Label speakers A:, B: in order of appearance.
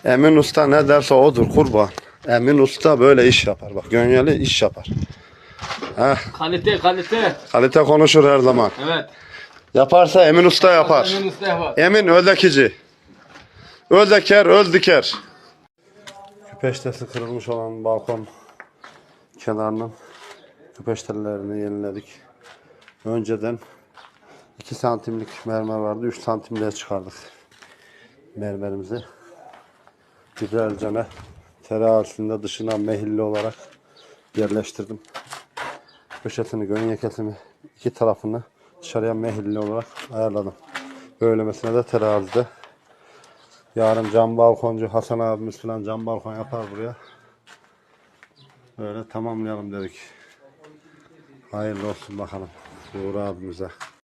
A: Emin Usta ne derse odur kurban. Emin Usta böyle iş yapar. Bak Gönyeli iş yapar. Heh.
B: Kalite kalite.
A: Kalite konuşur her zaman.
B: Evet.
A: Yaparsa Emin Usta yapar.
B: Emin Usta yapar.
A: Emin öldekici. Öldeker, öldüker. Küpeştesi kırılmış olan balkon kenarının küpeştelerini yeniledik. Önceden 2 santimlik mermer vardı. 3 santimliğe çıkardık mermerimizi. Güzelce terazisinde dışına mehilli olarak yerleştirdim. Köşesini, gönyekesini, iki tarafını dışarıya mehilli olarak ayarladım. Böylemesine de terazide. Yarın cam balkoncu Hasan abimiz falan cam balkon yapar buraya. Böyle tamamlayalım dedik. Hayırlı olsun bakalım Uğur abimize.